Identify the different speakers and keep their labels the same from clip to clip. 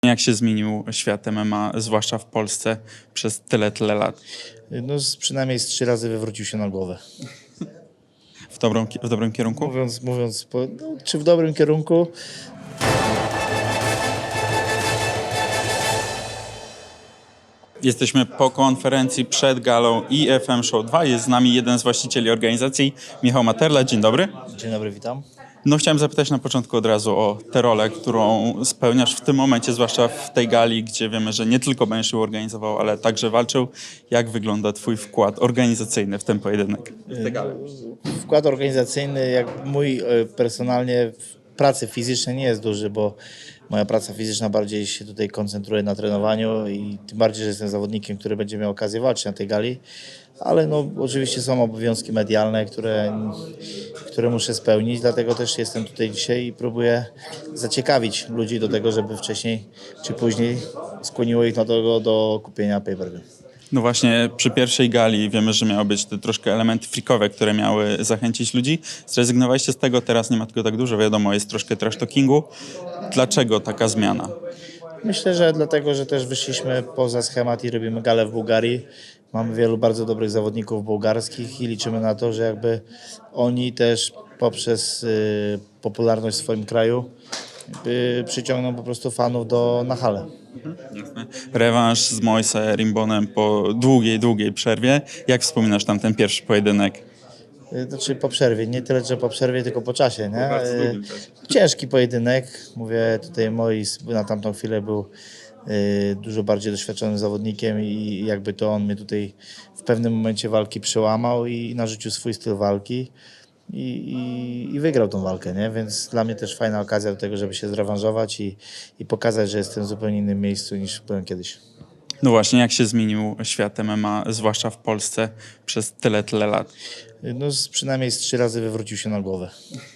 Speaker 1: Jak się zmienił świat MMA, zwłaszcza w Polsce, przez tyle lat?
Speaker 2: No, przynajmniej z 3 razy wywrócił się na głowę.
Speaker 1: W dobrym kierunku?
Speaker 2: Czy w dobrym kierunku?
Speaker 1: Jesteśmy po konferencji przed galą IFM Show 2. Jest z nami jeden z właścicieli organizacji, Michał Materla. Dzień dobry.
Speaker 2: Dzień dobry, witam.
Speaker 1: No, chciałem zapytać na początku od razu o tę rolę, którą spełniasz w tym momencie, zwłaszcza w tej gali, gdzie wiemy, że nie tylko będziesz ją organizował, ale także walczył. Jak wygląda twój wkład organizacyjny w ten pojedynek?
Speaker 2: Wkład organizacyjny, jak mój personalnie w pracy fizycznej nie jest duży, bo moja praca fizyczna bardziej się tutaj koncentruje na trenowaniu i tym bardziej, że jestem zawodnikiem, który będzie miał okazję walczyć na tej gali. Ale no, oczywiście są obowiązki medialne, które muszę spełnić, dlatego też jestem tutaj dzisiaj i próbuję zaciekawić ludzi do tego, żeby wcześniej czy później skłoniło ich do kupienia pay-per-view.
Speaker 1: No właśnie, przy pierwszej gali wiemy, że miały być te troszkę elementy freakowe, które miały zachęcić ludzi. Zrezygnowaliście z tego, teraz nie ma tego tak dużo, wiadomo, jest troszkę trash talkingu. Dlaczego taka zmiana?
Speaker 2: Myślę, że dlatego, że też wyszliśmy poza schemat i robimy galę w Bułgarii. Mamy wielu bardzo dobrych zawodników bułgarskich i liczymy na to, że jakby oni też poprzez popularność w swoim kraju przyciągną po prostu fanów na halę.
Speaker 1: Rewanż z Moise Rimbonem po długiej przerwie. Jak wspominasz tam ten pierwszy pojedynek?
Speaker 2: Znaczy po przerwie, nie tyle, że po przerwie, tylko po czasie, nie?
Speaker 1: bardzo długim czasie.
Speaker 2: Ciężki pojedynek, mówię tutaj na tamtą chwilę był dużo bardziej doświadczonym zawodnikiem i jakby to on mnie tutaj w pewnym momencie walki przełamał i narzucił swój styl walki i wygrał tą walkę, nie? Więc dla mnie też fajna okazja do tego, żeby się zrewanżować i pokazać, że jestem w zupełnie innym miejscu niż byłem kiedyś.
Speaker 1: No właśnie, jak się zmienił świat MMA, zwłaszcza w Polsce, przez tyle lat?
Speaker 2: No, przynajmniej z 3 razy wywrócił się na głowę.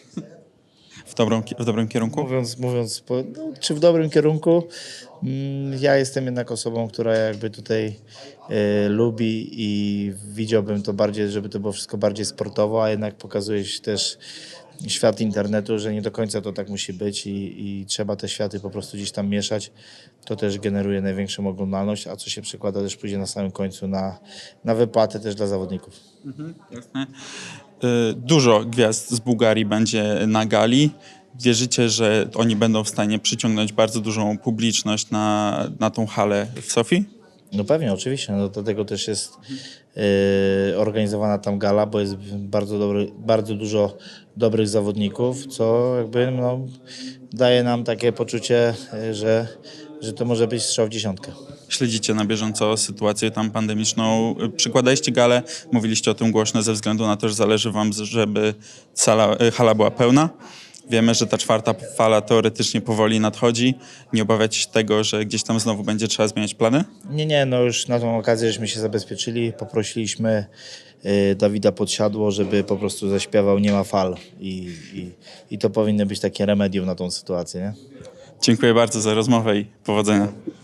Speaker 1: W dobrym kierunku?
Speaker 2: Czy w dobrym kierunku? Ja jestem jednak osobą, która jakby tutaj lubi i widziałbym to bardziej, żeby to było wszystko bardziej sportowo, a jednak pokazuje się też świat internetu, że nie do końca to tak musi być i trzeba te światy po prostu gdzieś tam mieszać. To też generuje największą oglądalność, a co się przekłada też później na samym końcu na wypłatę też dla zawodników.
Speaker 1: Jasne. Dużo gwiazd z Bułgarii będzie na gali. Wierzycie, że oni będą w stanie przyciągnąć bardzo dużą publiczność na tą halę w Sofii?
Speaker 2: No pewnie, oczywiście. No, dlatego też jest organizowana tam gala, bo jest bardzo dużo dobrych zawodników, co jakby daje nam takie poczucie, że to może być strzał w dziesiątkę.
Speaker 1: Śledzicie na bieżąco sytuację tam pandemiczną. Przykładaliście galę, mówiliście o tym głośno ze względu na to, że zależy wam, żeby hala była pełna. Wiemy, że ta czwarta fala teoretycznie powoli nadchodzi. Nie obawiacie się tego, że gdzieś tam znowu będzie trzeba zmieniać plany?
Speaker 2: Nie, no już na tą okazję żeśmy się zabezpieczyli. Poprosiliśmy Dawida Podsiadło, żeby po prostu zaśpiewał Nie ma fal i to powinno być takie remedium na tą sytuację, nie?
Speaker 1: Dziękuję bardzo za rozmowę i powodzenia.